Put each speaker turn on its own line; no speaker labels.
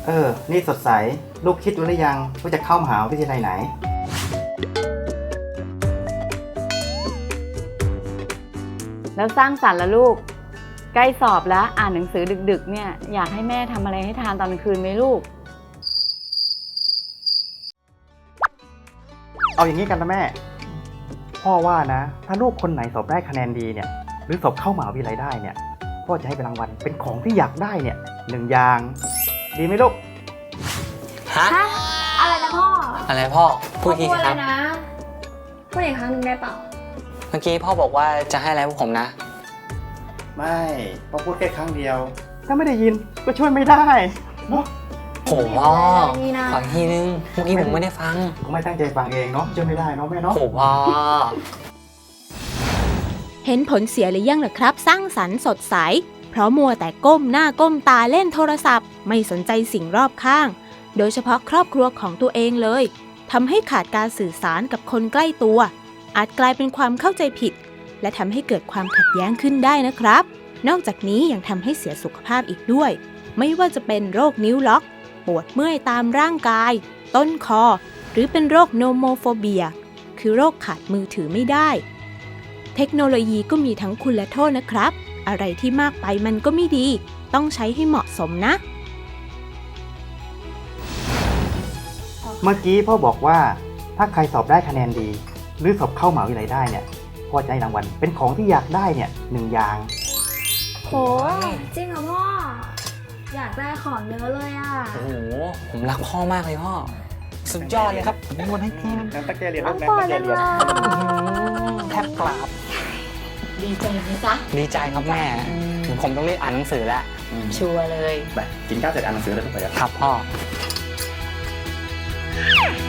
นี่สดใสลูกคิดหรือยังว่าจะเข้ามหาวิทยาลัยไหน
แล้วสร้างสรรค์ละลูกใกล้สอบแล้วอ่านหนังสือดึกๆเนี่ยอยากให้แม่ทำอะไรให้ทานตอนกลางคืนไหมลูก
เอาอย่างนี้กันนะแม่พ่อว่านะถ้าลูกคนไหนสอบได้คะแนนดีเนี่ยหรือสอบเข้ามหาวิทยาลัยได้เนี่ยพ่อจะให้เป็นรางวัลเป็นของที่อยากได้เนี่ย1 อย่างดีไหมลูก
ฮะ
อะไรนะพ่อ
อะไรพ่อพูดที
พูด
ค
เล
รับ
ยนะพูดอีกครั้งหนึ่งได้เปล่า
เมื่อกี้พ่อบอกว่าจะให้อะไรพวกผมนะ
ไม่พ่อพูดแค่ครั้งเดียวถ้าไม่ได้ยินก็ช่วยไม่ได้เนาะ
โหพ่อ
นี่นะ
ขออีกทีนึงเมื่อกี้ผมไม่ได้ฟัง
ผมไม่ตั้งใจฟังเองเนาะช่วยไม่ได้เนาะแม่เนาะ
โหพ่อ
เห็นผลเสียหรือยังล่ะครับ สร้างสรรค์สดใส เพราะมัวแต่ก้มหน้าก้มตาเล่นโทรศัพท์ ไม่สนใจสิ่งรอบข้าง โดยเฉพาะครอบครัวของตัวเองเลยทำให้ขาดการสื่อสารกับคนใกล้ตัว อาจกลายเป็นความเข้าใจผิด และทำให้เกิดความขัดแย้งขึ้นได้นะครับ นอกจากนี้ยังทำให้เสียสุขภาพอีกด้วย ไม่ว่าจะเป็นโรคนิ้วล็อก ปวดเมื่อยตามร่างกาย ต้นคอ หรือเป็นโรคโนโมโฟเบีย คือโรคขาดมือถือไม่ได้ เทคโนโลยีก็มีทั้งคุณและโทษนะครับ อะไรที่มากไปมันก็ไม่ดี ต้องใช้ให้เหมาะสมนะ
เมื่อกี้พ่อบอกว่าถ้าใครสอบได้คะแนนดี หรือสอบเข้ามหาวิทยาลัยได้เนี่ยพ่อจะให้รางวัลเป็นของที่อยากได้เนี่ย1 อย่าง
โหจริงเหรอพ่อ อยากได้ของเยอะเลยอ่ะ
โอ้โหผมรักพ่อมากเลยพ่อสุดยอดเลยครับ
ผมวนให้ทีมตั้งใจเรียน
น้องปอนเลย
แทบกราบ
ดีใจไหมจ๊ะ
ดีใจครับแม่ผมต้องรีบอ่านหนังสือแล้ว
ชัวร์เลย
ไปกินข้าวเสร็จอ่านหนังสือเลยทุกคน
ครับพ่อ